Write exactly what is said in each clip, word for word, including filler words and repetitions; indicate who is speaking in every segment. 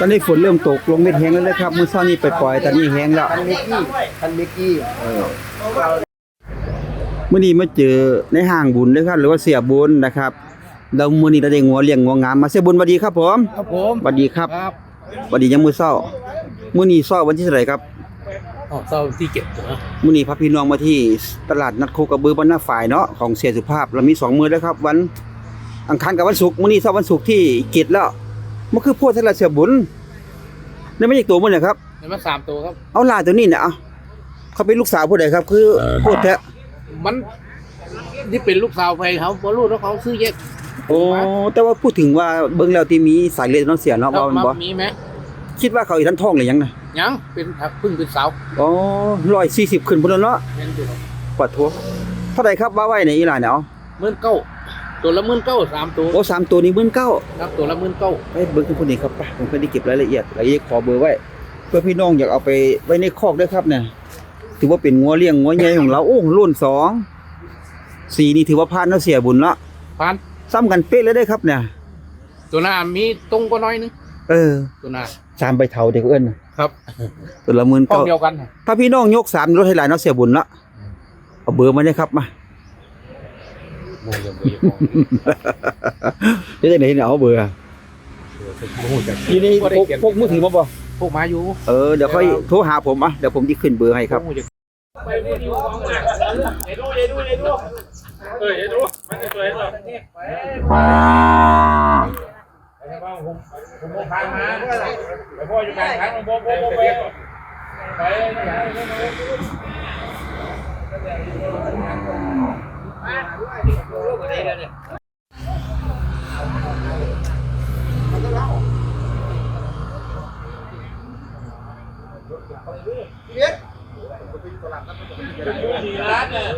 Speaker 1: อนนี้ฝนเริ่มตกลงเม็ดแห้งแล้วเลยครับมื้อเช้านี้ไปปล่อยตอนนี้แห้งแล้ว
Speaker 2: คันมิกกี้คันมิกกี้เออ
Speaker 1: มื้อนี้มาเจอในห้างบุญเด้อครับหรือว่าเสียบุญนะครับแล้วมื้อนี้เราได้งัวเลี้ยงงัวงามมาเสียบุญสวัสดีครับผม
Speaker 2: ครับผม
Speaker 1: สวัสดีครับ
Speaker 2: ครับ
Speaker 1: สวัสดียามมื้อเช้ามื้อนี้เช้าวันที่เท่าไหร่ครับ
Speaker 2: ออกเศร้าที่เก็บนะ
Speaker 1: มื้อนี้พาพี่น้องมาที่ตลาดนัดโคกระบือบ้านหน้าฝ่ายเนาะของเสียสุภาพเรามีสองมื้อแล้วครับวันอังคารกับวันศุกร์มื้อนี้เช้าวันศุกร์ที่เจ็ดแล้วมันคือโพดทะเลเสียบุญนี่ไม่ใช่ตัวมื้อไหนครับ
Speaker 2: นี่มันสามตัวครับ
Speaker 1: เอาลาตัวนี้น่ะเอาเขาเป็นลูกสาวผู้ใดครับคือโพดแท้
Speaker 2: มันนี่เป็นลูกสาวไปเขาบ่รู้แล้วเขาซื้อแยก
Speaker 1: โอ้แต่ว่าพูดถึงว่าเบิ่งแล้วที่มีสายเลือดน้องเสียเนาะว่ามันบ่
Speaker 2: มีไหม
Speaker 1: คิดว่าเขาอีทันท้องหรือยังน่ะ
Speaker 2: ยังเป็นพึ่งเป็นสาว
Speaker 1: อ๋อหนึ่งร้อยสี่สิบขึ้นพุ่นแล้วเนาะ
Speaker 2: เป็นอยู่
Speaker 1: ปวดทัวเท่าใดครับว่าไว้ในอีหลานเนี่ยเอา
Speaker 2: หมื่นเก้าตัวละหมื่นเก้าสามตัว
Speaker 1: โอ้สามตัวนี้หมื่นเก้า
Speaker 2: ครับตัวละหมื่นเก้า
Speaker 1: ไปเบิ่งพุ่นนี้ครับไปผมเคยได้เก็บรายละเอียดแล้วขอเบอร์ไว้ เพื่อพี่น้องอยากเอาไปไว้ในคอกด้วยครับเนี่ยถือว่าเป็นงัวเลี้ยงงัวใหญ่ของเราโอ้รุ่นสองสีนี่ถือว่าผ่านเนาะเสียบุญเนาะ
Speaker 2: พัน
Speaker 1: ซ้ำกันเป๊ะเลยได้ครับเนี่ย
Speaker 2: ตัวหน้ามีตรงก็น้อยนึง
Speaker 1: เออ
Speaker 2: ตัวหน้า
Speaker 1: สามใบเถาเด็กเอิ้นน่ะ
Speaker 2: ครับ
Speaker 1: ตัวละหมื่น
Speaker 2: ห้อง
Speaker 1: เก้า
Speaker 2: เดียวกัน
Speaker 1: ถ้าพี่น้องยกสามรถให้หลายเนาะเสียบุญเนาะเอาเบอร์มาได้ครับมา
Speaker 2: โมยโมยของ
Speaker 1: เดี๋ยวจะไหนเนี่ยเอาเบอร์อะ
Speaker 2: โมยจาก
Speaker 1: ทีนี้พกพกมือถือมาบ่
Speaker 2: พวกมาอยู่
Speaker 1: เออเดี๋ยวค่อยโทรหาผมอ่ะเดี๋ยวผมจะขึ้นเบอร์ให้ครับ
Speaker 2: ไปดูดูเอ็ดูเอ็ดูเอ็ดูเออเอ็ดูมันจะสวยหรอผมผมโมพามาไปพ่ออยู่กลางทางโมโมโมไปไปร้านเนี่ย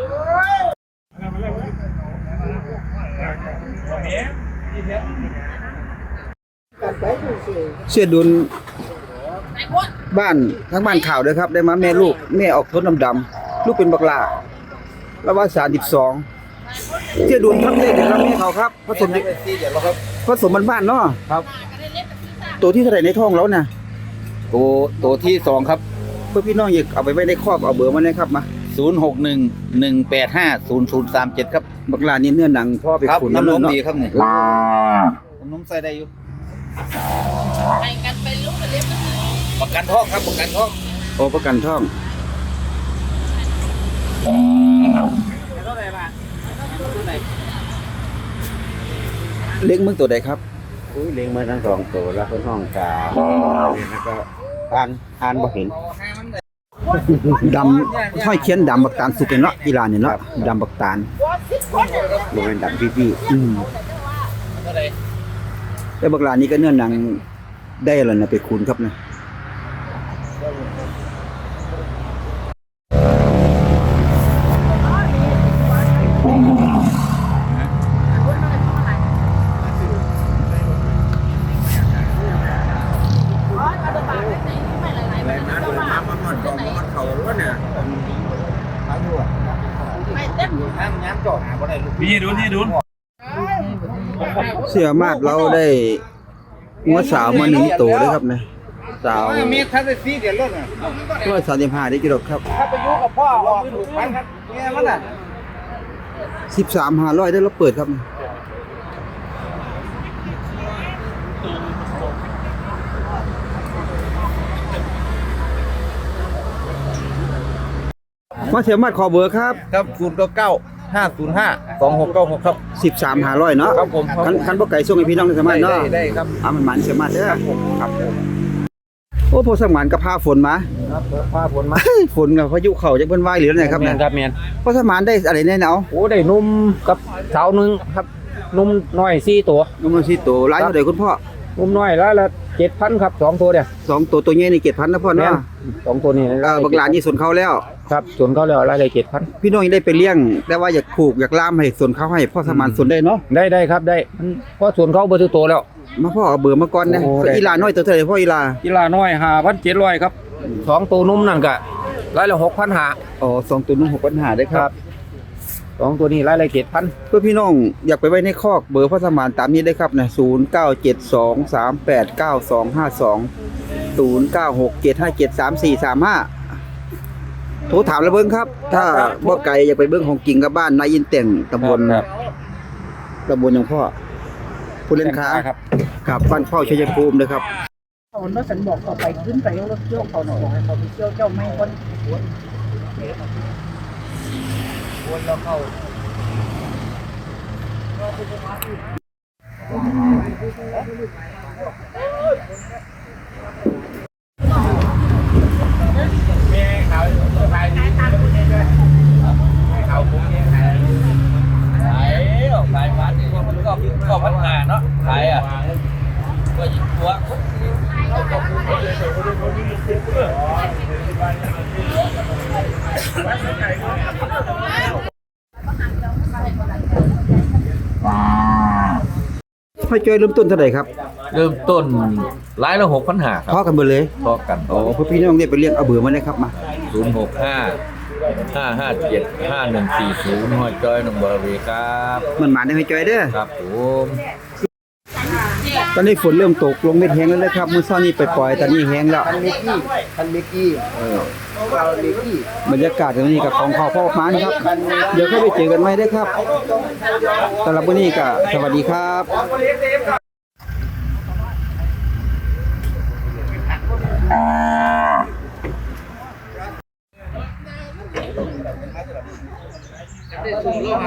Speaker 1: เสียดุลบ้านทั้งบ้านข่าวด้วยครับได้มาแม่ลูกแม่ออกทนดำๆลูกเป็นบักหลาแล้วว่าสามสิบสองเสียดุลทับเลขเดี๋ยวครับแม่เขาครับผสมผสมบ้านๆเนาะ
Speaker 3: ครับ
Speaker 1: ตัวที่เท่าไหร่ในท้องแล้วน่ะ
Speaker 3: ตัวตัวที่สองครับ
Speaker 1: เพื่อพี่น้องอยากเอาไปไว้ในครอบเอาเบอร์มาเลยครับมา
Speaker 3: ศูนย์หกหนึ่งหนึ่งแปดห้าศูนย์ศูนย์สามเจ็ดครับ
Speaker 1: บักหลานี่เนื้อหนังพ่อไป
Speaker 3: ครับ
Speaker 1: ขุน
Speaker 3: น้ำนม
Speaker 1: เนาะ
Speaker 3: ดีครับนี่น้ำนมใส่ได้อยู่
Speaker 4: ไปกันไปลูกกันเล็บ
Speaker 3: ประกันท้องครับประกันท้อง
Speaker 1: โอ้ประกันท้องเล็กมึงตัวใดครับ
Speaker 2: อุ้ยเลี้ยงมาทั้งสองตัวแล้วคนห้องกาแล้วก็อ่านอ่านบ่เห็น
Speaker 1: ดำห้อยเขียนดำบักตาลสุกเนาะอีหลานเนี่ยเนาะดำบักตาล
Speaker 2: บ่แม่นดำพี่
Speaker 1: อืมแต่บักหลานนี้ก็เนื้อหนังได้แล้วนะไปคูณครับนะ
Speaker 3: พี่ดูนี่ดู
Speaker 1: เสียมากเราได้งัวสาวมาหนึ่งตัวด้วยครับนะสาว
Speaker 2: มีทัศนีเดี๋ยวรถน่ะ
Speaker 1: ร้อยสามสิบห้าได้กิโลครับ
Speaker 2: ถ้าไปอยู่กับพ่อออกถูกพันครับเนี่ยมันน่ะ
Speaker 1: สิบสามห้าร้อยได้เราเปิดครับมาเสียมากขอเบอร์ครับ
Speaker 3: ครับศูนย์เก้าเก้าห้าศูนย์ห้าสองหกเก้าหกครับ
Speaker 1: สิบสามห้าร้อยเนาะ
Speaker 3: ครับผม
Speaker 1: คันคันบ่ไก่ส่งให้พี่น้องได้สามารถเนาะ
Speaker 3: ได้ได้ครับ
Speaker 1: อ่ามันมันเสียมากเด้อ
Speaker 3: ครับ
Speaker 1: โอ้พอสมานกับพาฝนมา
Speaker 3: ครับฟ้าฝนมา
Speaker 1: ฝนกับพายุเข้าจักเพิ่นว่าหรือไงครับ
Speaker 3: แม
Speaker 1: เนี่ย
Speaker 3: นครับแมน
Speaker 1: พอสมานได้อะไรแน่เนาะ
Speaker 3: โอ้ได้นุ่มกับสาวหนึ่งครับนุ่มน้อยสี่ตัว
Speaker 1: นมสิโตหลายเท่าใดคุณพ่อ
Speaker 3: นุ่มน้อยแล้วละเจ็ดพันครับสองตัวเดียว
Speaker 1: สองตัวตัวใหญ่นี่เจ็ดพันนะพ่อ
Speaker 3: แม่น
Speaker 1: เนาะ
Speaker 3: สองตัวนี้
Speaker 1: เออบักหลานนี่สนเขาแล้ว
Speaker 3: ครับส่วนเขาแล้วรายละเจ็ดพัน
Speaker 1: พี่น้องยังได้ไปเลี้ยง แต่ว่าอยากผูกอยากล่ามให้สนเขาให้พ่อสมานสนได้เนาะ
Speaker 3: ได้ได้ครับได้มันเพราะส่วนเขาเบอร์ทุกตัวแล้ว
Speaker 1: มาพ่อเอาเบอร์มาก่อนนะ
Speaker 3: โอ้ได้
Speaker 1: อีหลาน้อยตัวเท่าไหร่พ่ออีหลา
Speaker 3: กีฬาน้อยห้าพันเจ็ดร้อยครับสองตัวนุ่มนั่นก็รายละหกพันหา
Speaker 1: อ๋อสองตัวนุ่งหกปัญหาได้ครับ
Speaker 3: สองตัวนี้รายละเจ็ดพัน
Speaker 1: เพื่อพี่น้องอยากไปไว้ในคอกเบอร์พ่อสมานตามนี้ได้ครับนะศูนย์เก้าเจ็ดสองสามแปดเก้าสองห้าสองศูนย์เก้าหกเจ็ดห้าเจ็ดสามสี่สามห้าโทรถามแล้วเบิ้งครับ ถ้าบ่ไกลอยากไปเบิ้งของกิ่งกับบ้านนายอินแต่งตำบล
Speaker 3: ครับ
Speaker 1: ตำบลหยังพ่อผู้เล่นค้า
Speaker 3: ครับ
Speaker 1: กับบ้านเฝ้าชัยภูมิเลยครับ
Speaker 5: เขาเนาะสันบอกต่อไปขึ้นไปเอารถเที่ยวเขาหน่อยบอกให้เขาไปเที่ยวเจ้าไม่คนวนแล้วเข้า
Speaker 2: แม่เขาขายดีเขาผมเนี่ยขาย
Speaker 6: ขายขายวัดนี่มันก็ก็พัฒนาเนาะขายอ่ะก็ยิ่งตัว
Speaker 1: พ่อจ้อยเริ่มต้นเท่าไหร่ครับ
Speaker 6: เริ่มต้นร้ายละหกพันหาค
Speaker 1: พ่อ
Speaker 6: รับ
Speaker 1: กันเบอร์เลย
Speaker 6: พอกัน
Speaker 1: โอ้เพื่อพี่น้องเนี่ยไปเรียกเอาเบอร์มาเลยครับมา
Speaker 6: ศูนย์หกห้าห้าห้าเจ็ดห้าหนึ่งสี่ศูนย์ห้อยจอยหนองบัวระเวครับ
Speaker 1: มันหมาได้ให้จ้อยเด้อ
Speaker 6: ครับผม
Speaker 1: ตอนนี้ฝนเริ่มตกลงเม็ดแห้งแล้วนะครับมื้อเช้านี้ไปปล่อยตอนนี้แห้งแล้ว
Speaker 5: คันเมกี้คันเมกี้เออเราเมกี้
Speaker 1: บรรยากาศตรงนี้กับของเขาพ่อมานครับ เดี๋ยวค่อยไปเจอกันใหม่ได้อครับสำหรับวันนี้ก็สวัสดีครับ